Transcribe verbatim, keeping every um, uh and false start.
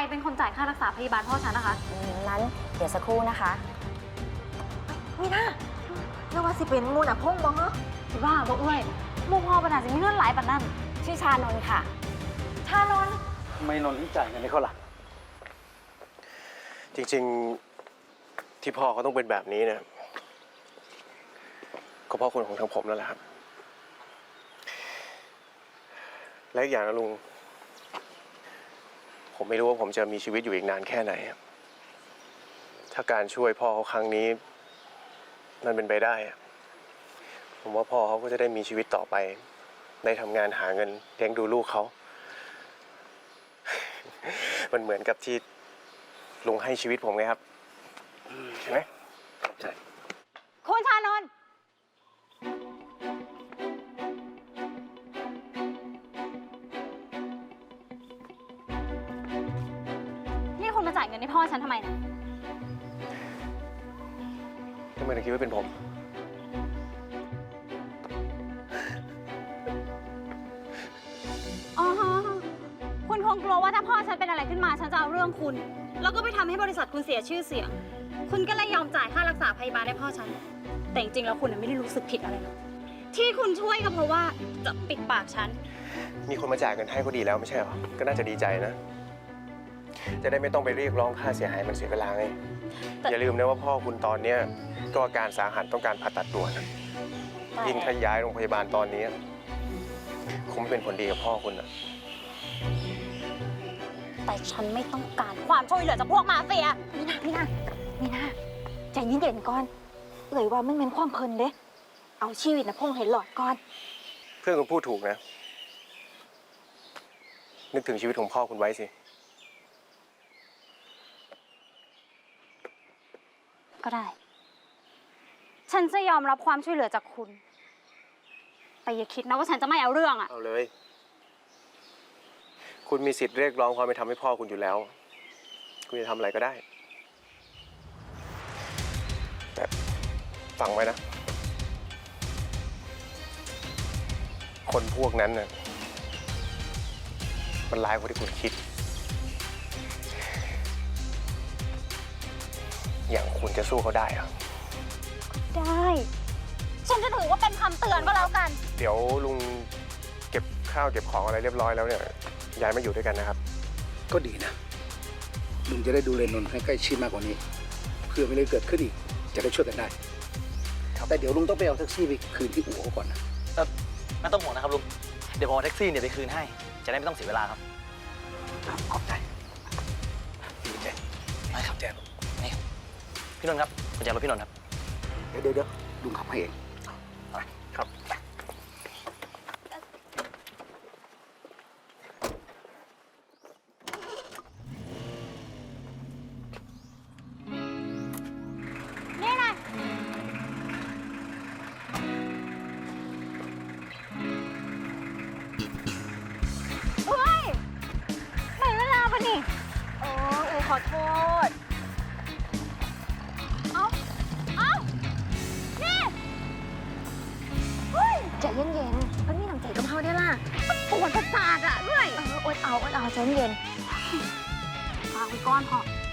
เป็นคนจ่ายค่ารักษาพยาบาลพ่อฉันนะคะนั้นเดี๋ยวสักครู่นะคะมีน่าเรียกว่าสิเป็นมูน่ะพงบ่เหรอคิดว่าบ่เอ้ยหมู่พ่อปัญหาจะมีเงื่อนหลายปานนั้นชื่อชานนท์ค่ะชานนท์ทำไมนนท์จ่ายเงินให้เขาล่ะจริงๆที่พ่อเขาต้องเป็นแบบนี้เนี่ยก็เพราะคนของทางผมนั่นแหละครับและอีกอย่างนะลุงผมไม่รู้ว่าผมจะมีชีวิตอยู่อีกนานแค่ไหนถ้าการช่วยพ่อเขาครั้งนี้มันเป็นไปได้ผมว่าพ่อเขาก็จะได้มีชีวิตต่อไปได้ทำงานหาเงินเลี้ยงดูลูกเขามันเหมือนกับที่ลุงให้ชีวิตผมไงครับใช่ไหมใช่คุณชานนท์นี่คุณมาจ่ายเงินให้พ่อฉันทำไมเนี่ยทำไมถึงคิดว่าเป็นผมอ๋อคุณคงกลัวว่าถ้าพ่อฉันเป็นอะไรขึ้นมาฉันจะเอาเรื่องคุณแล้วก็ไปทำให้บริษัทคุณเสียชื่อเสียงคุณก็เลยยอมจ่ายค่ารักษาพยาบาลให้พ่อฉันแต่จริงๆแล้วคุณไม่ได้รู้สึกผิดอะไรหรอกที่คุณช่วยก็เพราะว่าจะปิดปากฉันมีคนมาจ่ายเงินให้ก็ดีแล้วไม่ใช่หรอก็น่าจะดีใจนะจะได้ไม่ต้องไปเรียกร้องค่าเสียหายมันเสียเวลาไงอย่าลืมนะว่าพ่อคุณตอนนี้ก็อาการสาหัสต้องการผ่าตัดด่วนยิ่งถ้าย้ายโรงพยาบาลตอนนี้คงไม่เป็นผลดีกับพ่อคุณนะแต่ฉันไม่ต้องการความช่วยเหลือจากพวกมาเฟียมีน่ามีน่ามีน่าใจเย็นๆก่อนเอ่ยว่ามันเป็นความเพลินเด้เอาชีวิตนะพงให้หลอดก่อนเพื่อนคุณพูดถูกนะนึกถึงชีวิตของพ่อคุณไว้สิก็ได้ฉันจะยอมรับความช่วยเหลือจากคุณแต่อย่าคิดนะว่าฉันจะไม่เอาเรื่องอะเอาเลยคุณมีสิทธิ์เรียกร้องความเป็นธรรมให้พ่อคุณอยู่แล้วคุณจะทำอะไรก็ได้แต่ฟังไว้นะคนพวกนั้นน่ะมันร้ายกว่าที่คุณคิดอย่างคุณจะสู้เขาได้เหรอได้ฉันจะถือว่าเป็นคำเตือนก็แล้วกันเดี๋ยวลุงเก็บข้าวเก็บของอะไรเรียบร้อยแล้วเนี่ยย้ายมาอยู่ด้วยกันนะครับก็ดีนะลุงจะได้ดูแลนนท์ให้ใกล้ชิดมากกว่านี้เพื่อไม่ได้เกิดขึ้นอีกจะได้ช่วยกันได้แต่เดี๋ยวลุงต้องไปเอาแท็กซี่ไปคืนที่อู่เขาก่อนนะเออไม่ต้องห่วงนะครับลุงเดี๋ยวผมเอาแท็กซี่เนี่ยไปคืนให้จะได้ไม่ต้องเสียเวลาครับขอบใจดีใจไม่ครับแจ๊นี่ครับพี่นนท์ครับกุญแจรถพี่นนท์ครับเดี๋ยวเดี๋ยวลุงขับให้เองครับนี่ไงเฮ้ยไม่เวลาปะนี่โอ้อูขอโทษเอาเอานี่เฮ้ยใจเย็นๆเพิ่นมีน้ำใจกับเฮาได้ล่ะปวดประสาทอะด้วยเอออดเอาอดเอาใจเย็นพาไปก้อนพอ